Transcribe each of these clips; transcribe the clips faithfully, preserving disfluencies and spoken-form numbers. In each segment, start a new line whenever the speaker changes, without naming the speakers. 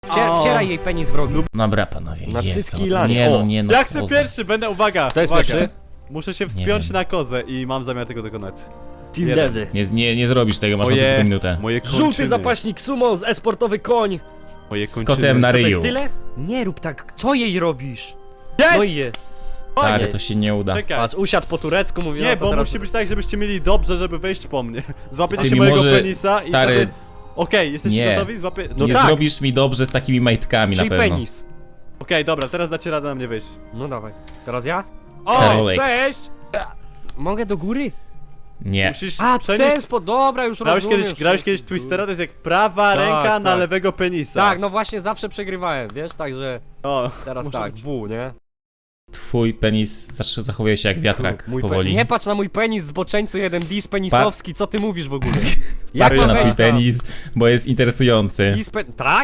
Wcier wcieraj jej penis w rogi.
Dobra, panowie,
Na
jest.
cycki i lanie.
Nie no,
O,
nie no.
Ja chcę
poza.
pierwszy, będę, uwaga!
Kto jest
uwaga.
pierwszy?
Muszę się
Nie
wspiąć
wiem.
na kozę i mam zamiar tego dokonać.
Team
Jeden.
Dezy.
Nie, nie, nie zrobisz tego, masz na
Moje,
tylko minutę.
moje kończyny.
Żółty zapaśnik sumo z esportowy koń.
Moje
Z
kończyny.
kotem na
Co to jest
ryju.
tyle? Nie rób tak, co jej robisz?
Jest!
No i je.
Stary, to się nie uda.
Czekaj.
Patrz, usiadł po turecku, mówi,
Nie,
no to
bo
teraz...
musi być tak, żebyście mieli dobrze, żeby wejść po mnie. Złapiecie
Ty
się
mi
mojego
może,
penisa i
stary,
wtedy... Okej, jesteście
nie.
gotowi? Złapie... No
nie
tak! Okej,
zrobisz mi dobrze z takimi majtkami
Czyli
na pewno.
penis.
dobra, teraz dacie radę na mnie wejść.
No dawaj. Teraz ja? O,
Karolek.
cześć! Mogę do góry?
Nie.
Musisz
A, w
przenieść...
ten sposób, dobra, już
Grałeś
rozumiem.
kiedyś, grałeś kiedyś Twistera, to jest jak prawa
Tak,
ręka na
tak.
lewego penisa.
Tak, no właśnie zawsze przegrywałem, wiesz, także
O,
teraz
muszę
tak,
być-
W, nie?
Twój penis zaczyna- zachowuje się jak wiatrak
Mój
powoli.
pe- Nie patrz na mój penis, zboczeńcu jeden dis penisowski, co ty mówisz w ogóle?
Patrzę
mam
na twój
wejść tam?
penis, bo jest interesujący.
Dis pe... Tak?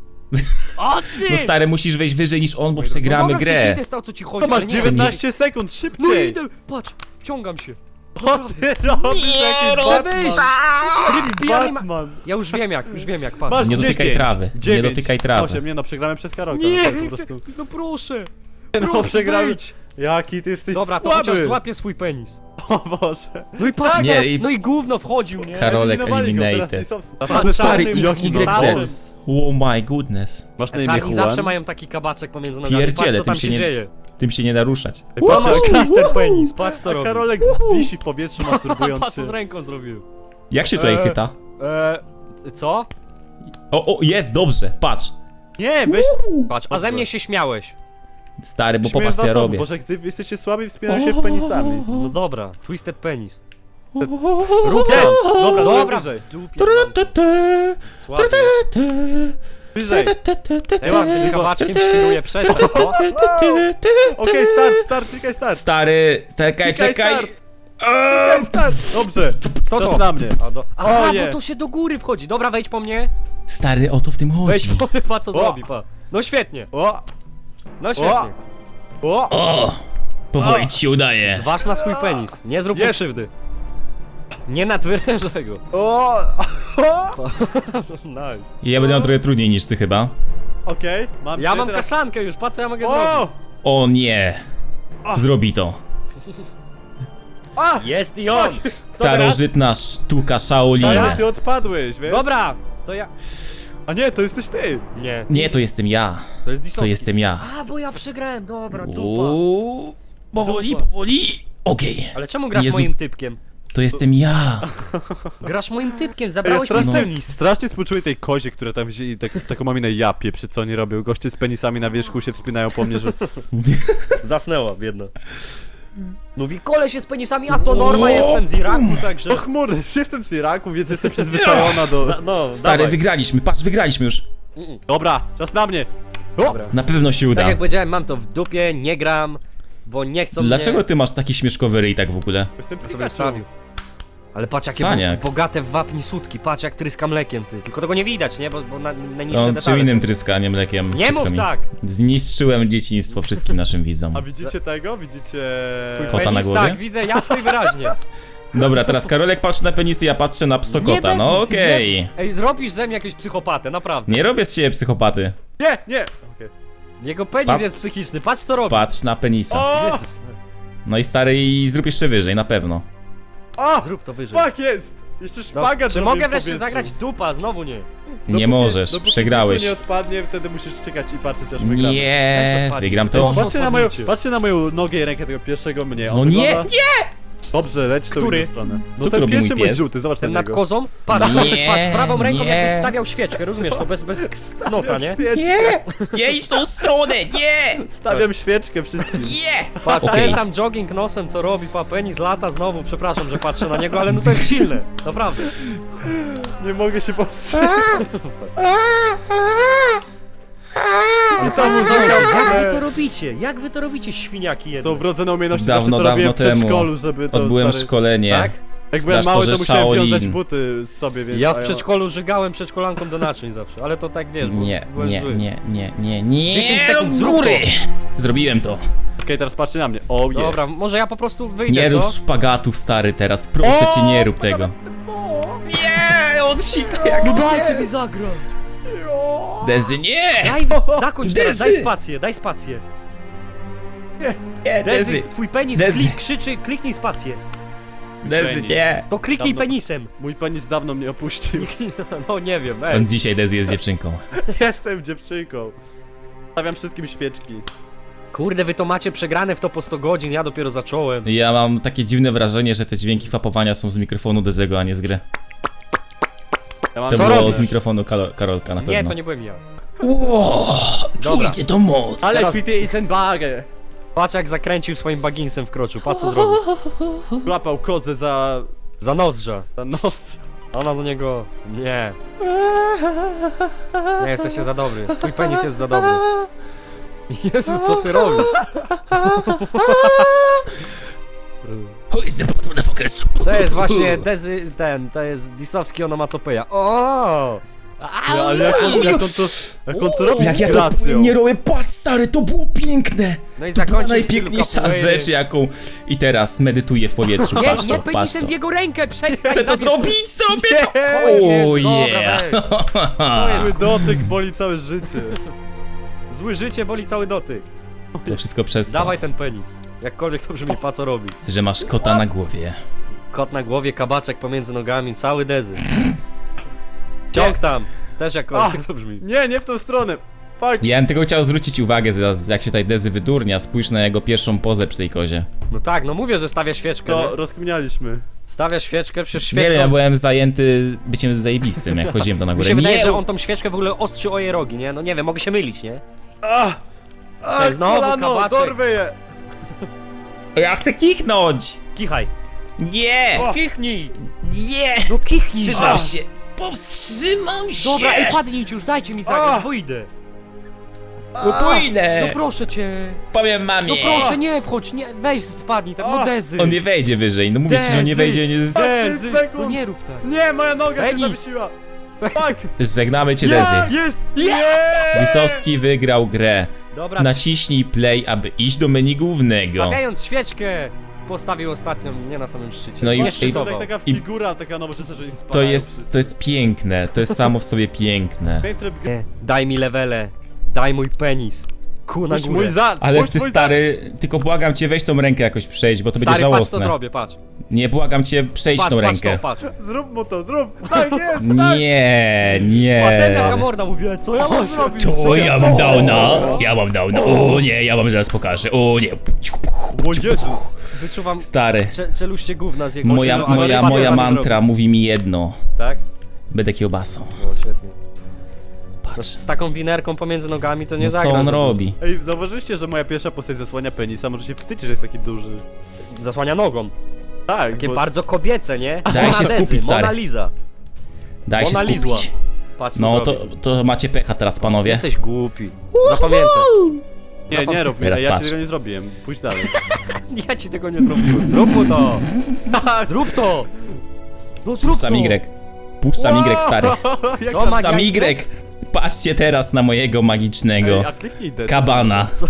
O ty!
No stary, musisz wejść wyżej niż on, bo
No
przegramy
dobra, przecież
grę.
idę stał, co ci chodzi,
To masz
ale nie-
dziewiętnaście sekund,
No
szybciej!
idę, patrz, wciągam się.
Co ty robisz? Jakiś
Chcę
Batman?
wyjść! Tryb pijany ma...
Batman!
Ja już wiem jak, już wiem jak, patrz.
Masz
Nie dotykaj
dziesięć,
trawy, nie
dziewięć,
dotykaj trawy.
osiem, nie no, przegramy przez Karolka.
Nie,
no, po prostu...
no proszę.
No, przegramy.
Wejdź.
Jaki ty jesteś
Dobra, to
słaby!
chociaż złapie swój penis.
O Boże.
No i patrz,
Nie,
teraz,
i-
no i gówno wchodził, nie?
Karolek
Eliminowali go, teraz
eliminated.
Lisowski.
Patrz,
Stary,
czarny
X,
jaki
Y,
Star
Z. Oh my goodness.
Masz na
A
imię
czarni
Juan?
zawsze mają taki kabaczek pomiędzy nogami,
Pierdziele,
patrz co tam
tym
się,
się nie-
dzieje.
Tym się nie da ruszać.
Ej, patrz,
Masz
a-
twisted penis, patrz co
a
robi.
Karolek wisi w powietrzu, masturbując
Patrz co
się.
z ręką zrobił.
Jak się tutaj
Eee.
chyta?
Eee, co?
O, o, jest, dobrze, patrz.
Nie, weź...
Patrz, a ze mnie się śmiałeś.
Stary, bo
Śmieję
popatrz co
was
ja
obu,
robię.
Boże, gdy jesteście słabi, wspinają się w penisami.
No dobra, twisted penis.
Rób
Jest!
Dobra,
Dobra,
dobra, wyżej.
dupie, słaby.
Wyżej.
Ja mam tym kabaczkiem świruję przez to.
Okej, start, start, klikaj start.
Stary, czekaj,
Klikaj
czekaj.
start. Klikaj start. Dobrze,
Co
czas
to?
na mnie.
A do... Aha,
Oje.
bo to się do góry wchodzi. Dobra, wejdź po mnie.
Stary, o to w tym
Wejdź
chodzi.
po mnie, pa co
O.
zrobi, pa. No świetnie,
O,
no świetnie.
o,
O, powoli ci się udaje.
Zważ na swój penis, nie zrób mu
Jest.
krzywdy. Nie nadwyrężaj go.
o, o.
Nice.
Ja będę miał trochę trudniej niż ty chyba.
Okej, mam
Ja
cię
mam
teraz...
kaszankę już, pa co ja mogę
O!
zrobić.
O nie. Zrobi to.
A!
Jest i on. Kto teraz?
Starożytna sztuka
Ale
Shaolina.
ty odpadłeś, wiesz?
Dobra, to ja...
A nie, to jesteś ty.
Nie,
Nie, to jestem ja.
to jest
To
Disowski.
jestem ja.
A, bo ja przegrałem, dobra, dupa.
Uuu, powoli,
Dupa.
powoli. Okej,
Ale czemu grasz
Jezu.
moim typkiem?
to jestem ja.
Grasz moim typkiem,
Ej, ja
zabrałeś mi
strasznie,
penis.
strasznie współczuję tej kozie, która tam wzięli tak, taką maminę japie, przy co oni robią. Goście z penisami na wierzchu się wspinają po mnie, że...
Zasnęła, biedna. Mówi, koleś jest z penisami, a to norma, jestem z Iraku, także...
O chmury, jestem z Iraku, więc jestem przyzwyczajona do...
Da, no,
Stary,
dawaj.
wygraliśmy, patrz, wygraliśmy już.
Dobra, czas na mnie. O!
Dobra.
Na pewno się
Tak
uda.
jak powiedziałem, mam to w dupie, nie gram, bo nie chcą
Dlaczego
mnie...
ty masz taki śmieszkowy ryj tak w ogóle?
Jestem
Ja sobie
Pikachu.
wstawił. Ale patrz jakie
Cwaniak.
bo, bogate w wapni sutki, patrz jak tryska mlekiem ty. Tylko tego nie widać, nie? Bo, bo na, najniższe
On czym
detale
innym
są.
tryska, nie mlekiem.
Nie
przykro
mów
mi.
tak!
Zniszczyłem dzieciństwo wszystkim naszym widzom.
A widzicie tego? Widzicie...
Twój
Kota na
penis,
głowie?
tak, widzę jasno i wyraźnie.
Dobra, teraz Karolek patrzy na penisy, ja patrzę na
Nie
psokota,
będę-
no okej.
nie- Ej, zrobisz ze mnie jakiegoś psychopatę, naprawdę.
Nie robię z siebie psychopaty.
Nie, nie! Okej.
Jego penis
Pa-
jest psychiczny, patrz co robi.
Patrz na penisa.
O!
Jezus,
No i stary, i zrób jeszcze wyżej, na pewno.
O!
zrób to wyżej.
Fuck jest! Jeszcze
No,
szpagat
czy
zrobił
mogę
w
wreszcie
powietrzu.
zagrać dupa? Znowu nie.
Nie
Dopóki-
możesz,
dopóki
przegrałeś.
pisu nie odpadnie, wtedy musisz czekać i patrzeć aż wygramy.
Nie,
Jak to
wygram
patrzeć?
to.
To-
Patrzcie na, moją,
odpadnięcie.
patrzcie na moją nogę i rękę tego pierwszego mnie.
No
On
nie,
wygląda-
nie!
Dobrze, leć w tą
Który?
inną stronę.
Co
No
tu
ten
robi
pierwszy
mój
mój
pies?
żółty, zobacz
Ten
na
nad
niego.
kozą? Patrz,
Nie,
patrz, patrz, prawą ręką
nie.
jakbyś stawiał świeczkę, rozumiesz? To bez, bez knota, nie?
Świeczkę.
Nie! Nie idź w tą stronę, nie!
Stawiam świeczkę wszystkim.
Nie!
Patrz,
Okej.
ten tam jogging nosem, co robi, pa, penis lata znowu, przepraszam, że patrzę na niego, ale no to jest silne, naprawdę.
Nie mogę się powstrzymać. I ta muzyka w
Jak wy
ogóle...
to robicie? Jak wy to robicie, świniaki jedne?
Są wrodzone umiejętności,
Dawno,
zawsze to
dawno
robiłem w
temu.
przedszkolu, żeby to
Odbyłem
stary...
szkolenie.
Tak?
Jak byłem
w
mały, to
klasztorze
musiałem
Shaolin.
wiązać buty z sobie, więc...
Ja
a
w przedszkolu żygałem przedszkolankom do naczyń zawsze, ale to tak wiesz, bo
Nie,
byłem
nie,
zły.
nie, nie, nie, nie.
dziesięć sekund,
do
zrób
góry! Zrobiłem to.
Okej, teraz patrzcie na mnie. O, je.
Dobra, może ja po prostu wyjdę,
Nie
co?
rób szpagatów, stary, teraz. Proszę cię, nie rób tego. Nie, on sika jak
No dajcie mi zagrać!
O!
Dezy, nie!
Daj, zakończ teraz,
Dezy!
daj spację, daj spację.
Nie,
Dezy,
Dezy!
twój penis
Dezy.
klik, krzyczy, kliknij spację.
Dezy,
Penis.
nie!
To kliknij
Dawno-
penisem.
Mój penis dawno mnie opuścił.
No nie wiem, ej.
On dzisiaj Dezy jest dziewczynką.
Jestem dziewczynką. Stawiam wszystkim świeczki.
Kurde, wy to macie przegrane w to po sto godzin, ja dopiero zacząłem.
Ja mam takie dziwne wrażenie, że te dźwięki fapowania są z mikrofonu Dezego, a nie z gry.
Ja mam
To
Co
było
robisz?
z mikrofonu Karol, Karolka na pewno.
Nie, to nie byłem ja.
Ło,
Dobra.
czujcie to moc!
Ale
Teraz-
pity i senbagę.
Patrz jak zakręcił swoim baginsem w kroczu, patrz co zrobił.
Łapał kozę za...
Za nozdrza.
za nos.
Ona do niego... Nie. Nie, jesteście za dobry. Twój penis jest za dobry. Jezu, co ty robisz?
Who is the bottom motherfuckers?
To jest właśnie Dezy, ten, to jest disowski onomatopeja. O!
Ja, ale jak on, jak on to... Jak on to robi
Jak
z
ja to
gracją.
nie robię, patrz stary, to było piękne!
No i
To była
zakończył w stylu
najpiękniejsza
capoeiry.
rzecz jaką... I teraz medytuję w powietrzu,
Nie,
patrz
nie
to, patrz
penisem
to.
w jego rękę, przestań!
Chcę to
zabierz-
zrobić, zrobię to!
Nie,
Oh
dobra,
yeah!
weź. To jest
Zły dotyk boli całe życie.
zły życie, boli cały dotyk.
To wszystko przez to,
Dawaj ten penis. Jakkolwiek to brzmi, pa co robi.
że masz kota na głowie.
Kot na głowie, kabaczek pomiędzy nogami, cały Dezy. Ciąg tam. Też jakkolwiek to brzmi.
Nie, nie w tą stronę. Fuck.
Ja bym tylko chciał zwrócić uwagę zaraz, jak się tutaj Dezy wydurnia, spójrz na jego pierwszą pozę przy tej kozie.
No tak, no mówię, że stawia świeczkę,
To
nie?
rozkminialiśmy.
Stawia świeczkę, przecież
Nie wiem, ja
świeczką...
byłem zajęty byciem zajebistym, jak chodziłem tam na
Mi
górę.
się wydaje,
Nie,
że on tą świeczkę w ogóle ostrzy o jej rogi, nie? No nie wiem, mogę się mylić, nie?
Ah!
To jest znowu
kolano,
kabaczek.
dorwę je!
Ja chcę kichnąć!
Kichaj.
Nie!
O!
Kichnij!
Nie!
No kichnij!
Wstrzymam
A.
się! Powstrzymam się!
Dobra, ej, padnijcie już, dajcie mi zagrać,
A.
bo idę.
No pójdę!
No proszę cię.
Powiem mamie!
No proszę, nie wchodź, nie, weź spadnij, tak, no
A.
Dezy.
On nie wejdzie wyżej, no mówię ci, że on nie
Dezy.
wejdzie, nie z...
Dezy.
Pięć sekund.
No nie rób tak.
Nie, moja noga się
Penis.
zawiesiła! Fuck!
Żegnamy cię,
Nie!
Dezy.
Jest!
Nie!
Wysowski wygrał grę.
Dobra,
Naciśnij play, aby iść do menu głównego.
stawiając świeczkę, postawił ostatnią, nie na samym szczycie.
No i-
nie
i-
To
szczytował.
tak taka
I-
figura, taka nowoczesna, że nie spadają
To jest,
wszyscy.
to jest piękne, to jest samo w sobie piękne.
Ten tryb gry.
Nie, daj mi levele, daj mój penis. Ku na
Puść
górę.
mój za...
Ale
puść
ty
mój
stary, tylko błagam cię, weź tą rękę jakoś przejść, bo to będzie
Stary, patrz co
żałosne.
zrobię, patrz.
Nie, błagam cię, przejdź
Patrz,
tą
patrz
rękę.
to, patrz.
za... Zrób mu to, zrób! Tak jest! tak.
Nie,
Patem jaka
nie.
morda mówiła, co ja mam zrobić?
O, ja mam downa, ja mam downa, o nie, ja wam zaraz pokażę, o nie.
O Jezu!
Wyczuwam
Stary,
cze czeluście gówna z jego
moja,
osiedlu, ale
moja,
patrz, co
moja
mam
mantra mówi mi jedno.
zrobić. Tak?
Będę kiełbasą.
O, świetnie. No,
Patrz,
z taką winerką pomiędzy nogami to nie
no,
zagra.
co on
za
robi.
Ej, zauważyliście, że moja pierwsza postać zasłania penisa? Może się wstydzi, że jest taki duży.
dużo. Zasłania nogą.
Tak,
Takie
bo...
bardzo kobiece, nie?
Daj
Mona
się
Dezy,
skupić, stary.
Mona Lisa.
Daj się
Mona Lizła.
skupić.
Patrz co
No to,
zrobię.
to macie pecha teraz, panowie.
Jesteś głupi. Zapamiętaj.
Nie, nie rób mi,
Teraz
ja ci
patrz.
tego nie zrobiłem. Pójdź dalej.
Ja ci tego nie zrobiłem. Zrób mu to. Zrób to. No zrób to.
Puszczam Y. Puszczam Y, stary.
Jak
Co,
tam-
magia?
Puszczam Y. Patrzcie teraz na mojego magicznego
Ej, a kliknij D.
kabana.
Co?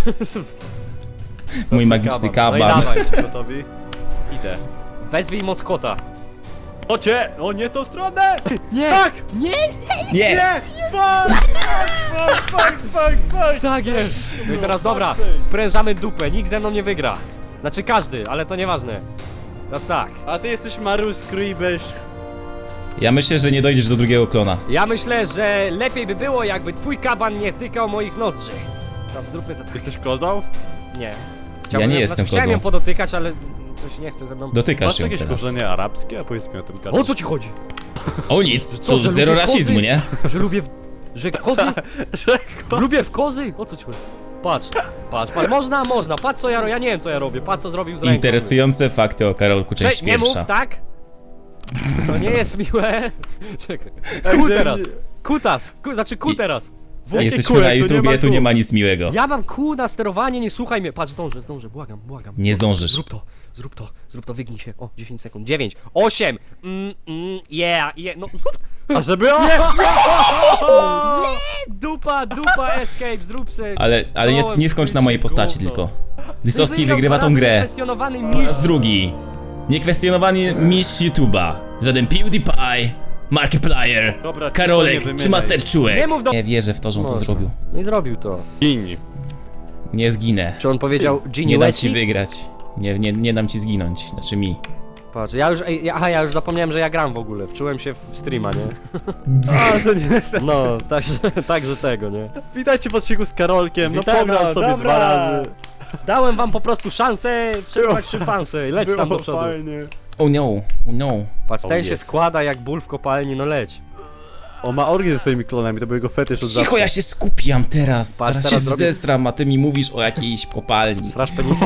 Mój magiczny
kaban. No i
kaban.
dawaj.
Gotowi? Idę.
Wezwij moc kota.
O cię! O nie tą stronę!
Nie.
Tak!
Nie.
Nie!
Nie! Fuck! Fuck, fuck, fuck, fuck!
Tak jest. No i teraz dobra. Sprężamy dupę. Nikt ze mną nie wygra. Znaczy każdy, ale to nieważne. Teraz tak.
A ty jesteś Marus Krybysz.
Ja myślę, że nie dojdziesz do drugiego klona.
Ja myślę, że lepiej by było, jakby twój kaban nie tykał moich nozdrzy. Teraz zróbmy to tak.
Jesteś kozał?
Nie.
Ja nie jestem
znaczy, chciałem
kozą.
ją podotykać, ale coś nie chce ze mną.
Dotykasz
Masz
ją
jakieś
teraz.
korzenie arabskie? A powiedz mi o tym każdym.
O co ci chodzi?
O nic,
Co,
to
że
zero
lubię
rasizmu,
kozy?
nie?
Że lubię w... Że kozy?
Że
Lubię w kozy? O co ci chodzi? Patrz, patrz, patrz, można, można, patrz co ja robię, ja nie wiem co ja robię, patrz co zrobił z ręką.
Interesujące fakty o Karolku, część
Cześć, nie mów,
pierwsza.
tak? To nie jest miłe. Czekaj. Ku teraz, kutas, ku, znaczy ku
I-
teraz.
A jesteśmy
kółek,
na
tu nie
YouTubie,
ma
tu nie
kół.
ma nic miłego.
Ja mam kół na sterowanie, nie słuchaj mnie. Patrz, zdążę, zdążę, błagam, błagam.
Nie zdążysz.
Zrób to, zrób to, zrób to, wygnij się. O, dziesięć sekund, dziewięć, osiem, mm, mm, yeah, yeah, no zrób.
A żeby... O!
Dupa, dupa, escape, zrób se.
Ale, ale nie, nie skończ na mojej postaci tylko. Dysowski
Wygrał
wygrywa
dwa
tą
razy
grę.
Kwestionowany
Po raz
mistrz.
drugi. Niekwestionowany mistrz YouTube'a. Żaden PewDiePie. Markiplier,
Dobra,
Karolek
nie
czy
wymieniaj.
Master Czułek.
Nie mów do-
Nie wierzę w to, że on to
Może.
zrobił.
No i zrobił to.
Gini.
Nie zginę.
Czy on powiedział Genie
Nie dam ci
Wesley?
wygrać. Nie, nie, nie dam ci zginąć. Znaczy mi.
Patrz, ja już, ej, ja- aha, ja już zapomniałem, że ja gram w ogóle. Wczułem się w streama, nie?
A, to nie jest.
No, także, także tego, nie?
Witajcie w odcinku z Karolkiem, no
Witam,
pograł
no,
sobie
dobra.
dwa razy.
Dałem wam po prostu szansę przetrwać szympansę. Leć tam do
Było
przodu.
fajnie.
Oh no, oh no.
Patrz, ten
Oh,
się
yes.
składa jak ból w kopalni, no leć.
On ma orgię ze swoimi klonami, to był jego fetysz od
Cicho,
zawsze.
ja się skupiam teraz.
Patrz,
Zaraz się
teraz zrobię-
zesram, a ty mi mówisz o jakiejś kopalni.
Straż penisa?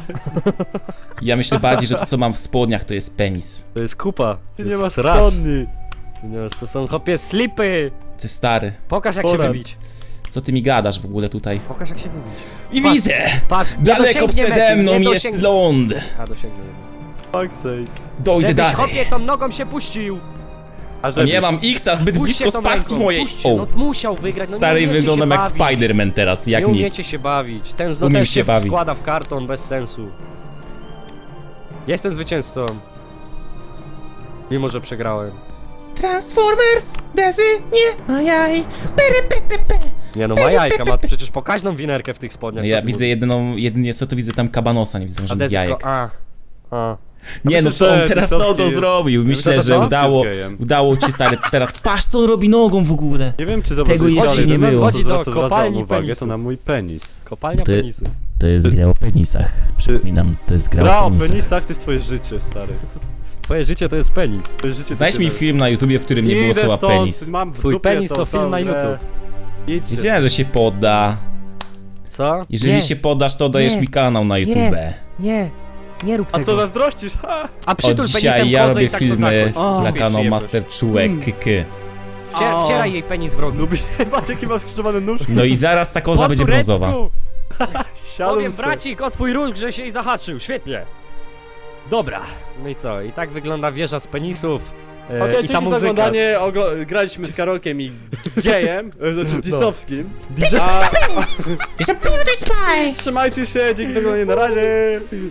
Ja myślę bardziej, że to co mam w spodniach to jest penis.
To jest kupa. To
Nie
jest
ma
sraż.
spodni.
To, nie, to są chopie slipy.
To jest stary.
Pokaż jak się
Porad.
wybić.
Co ty mi gadasz w ogóle tutaj?
Pokaż jak się wybić.
I
Patrz.
widzę!
Patrz, nie
Daleko
dosięgnie
przede
mety,
mną
nie
jest
dosięgnie-
ląd.
A, dosięgnę.
Fuck's sake.
Dojdę
Żebyś
dalej.
chopie tą nogą się puścił.
A
No
żeby...
nie mam X-a, zbyt
Puść się
blisko
tą
spacji
ręką,
mojej.
puść się,
O,
no musiał wygrać, no nie
stary,
umiecie
wyglądam
się
jak
bawić.
Spider-Man teraz, jak
Nie
nic.
umiecie się bawić. Ten zno
Umiem
też
się
się
bawić.
składa w karton bez sensu. Jestem zwycięzcą. Mimo, że przegrałem.
Transformers, bezy, nie ma jaj. Pery, pe, pe, pe.
Nie no, ma jajka, ma przecież pokaźną winerkę w tych spodniach.
No
co
ja
ty
widzę
mówisz?
jedyną, jedynie co tu widzę tam kabanosa, nie widzę
A
żadnych
desko,
jajek.
a, a.
Nie no,
myślę,
co on
że
teraz
Disowski
nogą
jest-
zrobił? Myślę,
myślę, że
że
Disowski
udało,
jest gejem.
udało ci stary, teraz patrz co on robi nogą w ogóle.
Nie wiem czy
Tego
zobaczyłeś
jeszcze
dalej,
nie
ten nas
było.
Chodzi do
Kopalni
kopalni uwagę,
penisu.
to na mój penis.
Kopalnia
Ty-
penisu.
To jest gra o penisach. Przypominam, to jest gra
Gra
o
o
penisach.
penisach to jest twoje życie, stary.
Twoje życie to jest penis.
Twoje życie to
Znajdź mi
tyle.
film na YouTubie, w którym nie było
Idę
słowa
stąd,
penis.
Mam w
Twój
dupie
penis to film
tą
na
grę.
YouTube.
Idźcie.
Wiedziałem, że się podda.
Co?
Jeżeli
nie,
się poddasz, to dajesz
Nie.
mi kanał na YouTube.
nie, nie rób
A
tego.
co zazdrościsz? Ha!
A
Od
przytul penisem
dzisiaj ja
kozę
robię
i tak
filmy
to zakończ.
dla
O,
kanału
przyjemność.
Master Czułek,
Mm.
kyky.
Wcier
O.
wcieraj jej penis w rogi.
Lubi... Patrz jaki ma skrzyżowane nóżki.
No i zaraz ta koza
Po
będzie
turecku!
brązowa.
Siadł
Powiem
se.
bracik o twój róg, że się i zahaczył, świetnie. Dobra, no i co? I tak wygląda wieża z penisów. E,
Okej,
I ta
dzięki za
muzyka.
oglądanie, oglo- graliśmy z Karolkiem i gejem, e, znaczy
No.
disowskim. A...
Jest a PewDiePie!
Trzymajcie się, dzięki za oglądanie, na razie!